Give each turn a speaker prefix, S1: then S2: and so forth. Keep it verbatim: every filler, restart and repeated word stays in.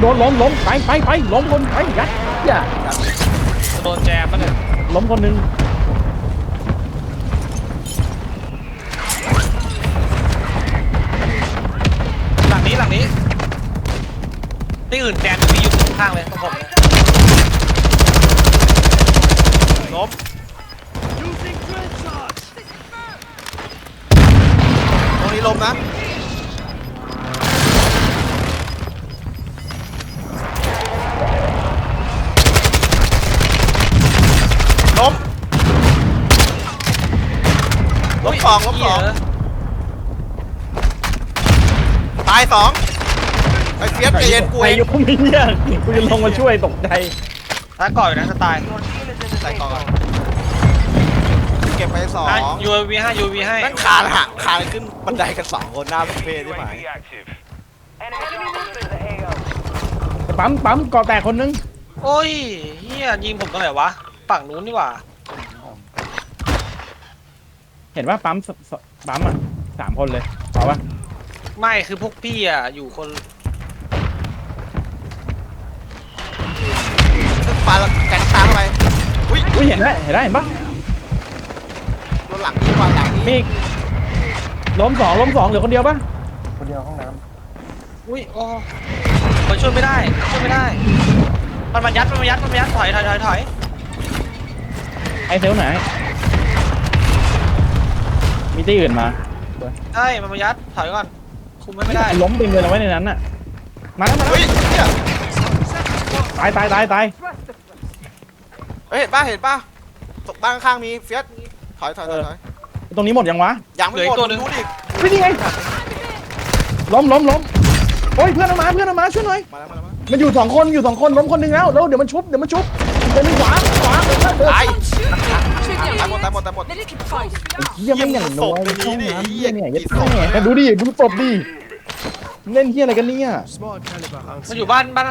S1: โดนล้มล้มไปไปไปล้มคนไปยัดอย่า
S2: จะโดนแจมปะเนี่ย
S1: ล้มคนหนึ่ง
S2: หลังนี้หลังนี้ที่อื่นแจมมีอยู่ข้างเลยตรงผมล้มตรงนี้ล้มนะล้มล้มสองล้มสองตายสองไอ้เฟียสใจเย็นกู
S1: ไอ้
S2: เอง
S1: ยุคไม่เนี่ยกูจะลงมาช่วยตกใจ
S2: ถ้าก่อนอยู่นะจะตายตายก่อนเก็บไปสองยูวีให้ยูวีให้นั่นคานหักคานขึ้นบันไดกันสองคนหน้าเป็นเฟสใช่ไหม
S1: ปั๊มปั๊มก่อแตกคนนึง
S2: โอ้ยเฮียยิงผมตรงไหนวะฝั่งนู้นนี่หว่า
S1: เห็นว่าปั๊มสสปั๊มอ่ะสามคนเลยเอาปะ
S2: ไม่คือพวกพี่อ่ะอยู่คนปาแกนตามไปอุ้ย
S1: อุ้ยเห็นแล้วเห็นแล้วเห็นปะ
S2: โดนหลังนี่วางหลังนี่
S1: มีอีกล้มสองล้มสองเหลือคนเดียวปะ
S3: คนเดียวห้องน้ำ
S2: อุ้ยโอ้มันช่วยไม่ได้ช่วยไม่ได้มันมายัดมันมายัดมันมายัดถอยถอยถอยถอย
S1: ไอเซลไหนมีที่อื่นมา
S2: ใช่มันมายัดถอยก่อนคุมไม่ได้
S1: ล้มไปเลยเอาไว้ในนั้นน่ะมาแล้วมาแล้ว
S2: เฮ้ยเนี่ย
S1: ตายตายตายตาย
S2: เห็นป่ะเห็นป่ะตกบ้านข้างมีเฟียสถอยถอยถอย
S1: ตรงนี้หมดยังวะ
S2: ยังไม่หมดดูดิ
S1: ไม่นี่ไงล้มล้มล้มโอ้ยเพื่อนเอามาเพื่อนเอามาช่วยหน่อย
S2: มาแล้วมาแล้ว
S1: มันอยู่สองคนอยู่สองคนล้มคนหนึ่งแล้วแล้วเดี๋ยวมันชุบเดี๋ยวมันชุบเดินไปขวาขวาเดินเดิน
S2: ตายตายหมดตายหมดตายหมด
S1: เฮียไม่อย่างน้อยช่องน้ำเฮียเนี่ยยัดแม่ดูดิดูศพดิเล่นเฮียอะไรกันเนี่ย
S2: มันอยู่บ้านบ้าน